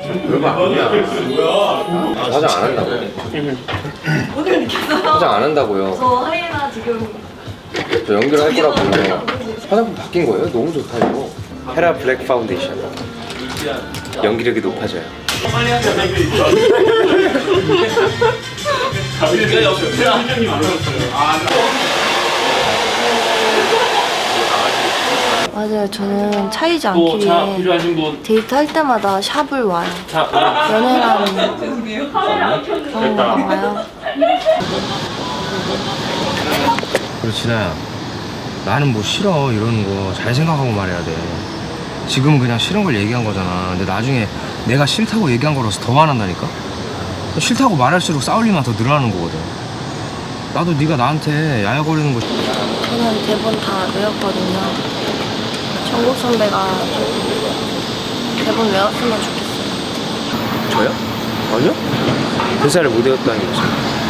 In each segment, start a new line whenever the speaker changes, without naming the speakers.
별거 아니야. 화장 안 한다고. 화장 안 한다고요.
저 하이에나 지금
저 연결할 거라고요. 화장품 바뀐 거예요? 너무 좋다 이거. 헤라 블랙 파운데이션. 연기력이 높아져요.
맞아요. 저는 차이지 않기 위해
필요하신 분.
데이트 할 때마다 샵을 와요. 연애랑 그런 거 와요.
그리고 진아야, 나는 뭐 싫어 이러는 거 잘 생각하고 말해야 돼. 지금은 그냥 싫은 걸 얘기한 거잖아. 근데 나중에 내가 싫다고 얘기한 거라서 더 화난다니까? 싫다고 말할수록 싸울 일만 더 늘어나는 거거든. 나도 네가 나한테 야야거리는 거
저는 대본 다 외웠거든요. 정국 선배가 대본 외웠으면 좋겠어요.
저요? 아니요? 대사를 못 외웠다는 게 무슨.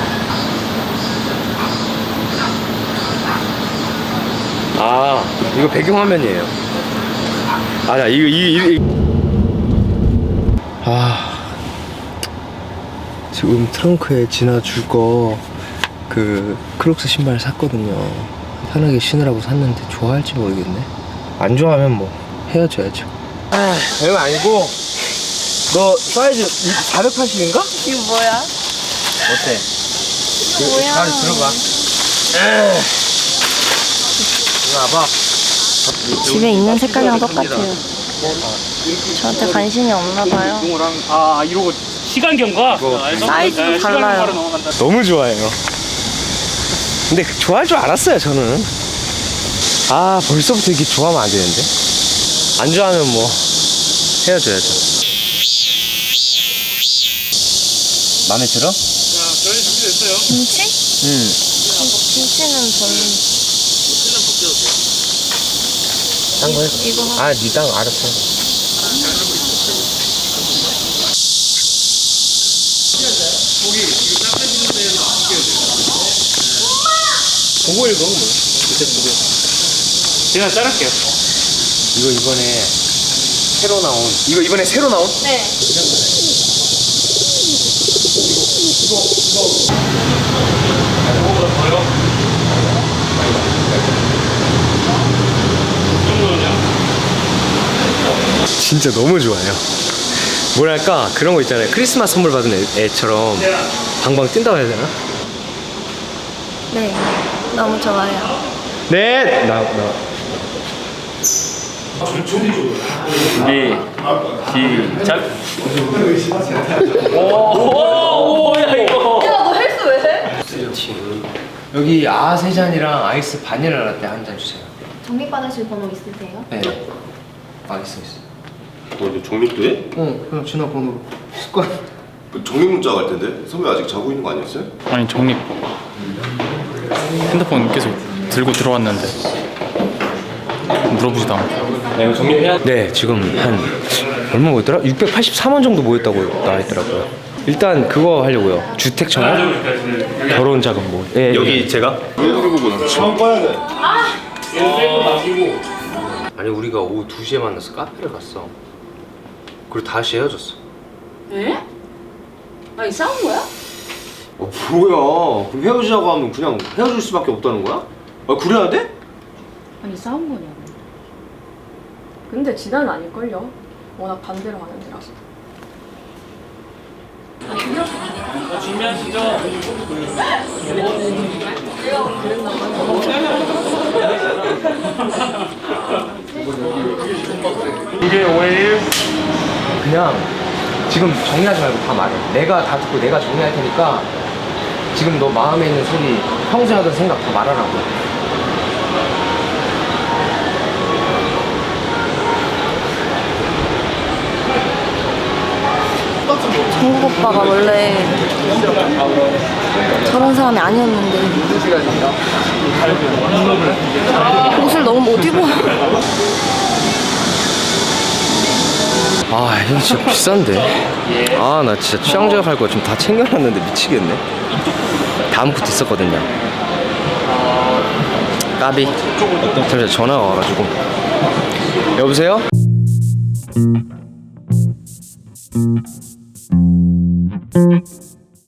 아, 이거 배경화면이에요. 아니야, 지금 트렁크에 진아 줄 거 그 크록스 신발 샀거든요. 편하게 신으라고 샀는데 좋아할지 모르겠네. 안 좋아하면 뭐 헤어져야죠. 아, 별거 아니고 너 사이즈 480인가?
이거 뭐야?
어때?
이거 뭐야?
잘 들어가. 이거 와봐.
집에 있는 색깔이랑 똑같아요. 저한테 관심이 없나 봐요.
아 이러고 시간 경과.
사이즈도 달라요.
너무 좋아해요. 근데 좋아할 줄 알았어요, 저는. 아, 벌써부터 이렇게 좋아하면 안 되는데. 안 좋아하면 뭐 헤어져야죠. 마음에 들어?
저희 준비됐어요.
김치?
응.
김치는 별로.
딴 거 해.
이거
아, 니 땅 알았어. 보고 읽어, 뭐.
제가 자를게요.
이거 이번에 새로 나온. 이거 이번에 새로 나온?
네.
진짜 너무 좋아요. 뭐랄까 그런 거 있잖아요. 크리스마스 선물 받은 애처럼 방방 뛴다고 해야 되나?
네. 너무 좋아요.
네. 나.
준비 시작. 오야 이거.
야, 너 헬스 왜 해?
여기 세 잔이랑 아이스 바닐라 라떼 한 잔 주세요.
적립받으실 번호 있으세요?
네. 있어.
너 정립도 해?
그냥 전화번호로 습관.
정립 문자 갈 텐데? 선배 아직 자고 있는 거 아니었어요?
아니 정립. 핸드폰 계속 들고 들어왔는데 물어보지도 않고. 네, 이거 정립해야.
네, 지금 한 얼마 모였더라? 684만 정도 모였다고 나와있더라고요. 일단 그거 하려고요. 주택 청약, 결혼 자금 뭐. 예,
여기 제가? 처음 꺼야 돼.
아니 우리가 오후 2시에 만나서 카페를 갔어. 그리고 다시 헤어졌어.
에? 아니 싸운 거야?
뭐야? 그럼 헤어지자고 하면 그냥 헤어질 수밖에 없다는 거야? 그래야 돼?
아니 싸운 거냐고. 근데 진아는 아닐걸요. 워낙 반대로 하는 데라서.
준비하시죠. 이게 5일.
그냥 지금 정리하지 말고 다 말해. 내가 다 듣고 내가 정리할 테니까 지금 너 마음에 있는 소리, 평소에 하던 생각 다 말하라고.
정국 오빠가 원래 저런 사람이 아니었는데 옷을 너무 못 입어.
아, 이거 진짜 비싼데. 아, 나 진짜 취향제가 갈 거 지금 다 챙겨놨는데 미치겠네. 다음 것도 있었거든요. 까비. 잠시만 전화가 와가지고. 여보세요? 음.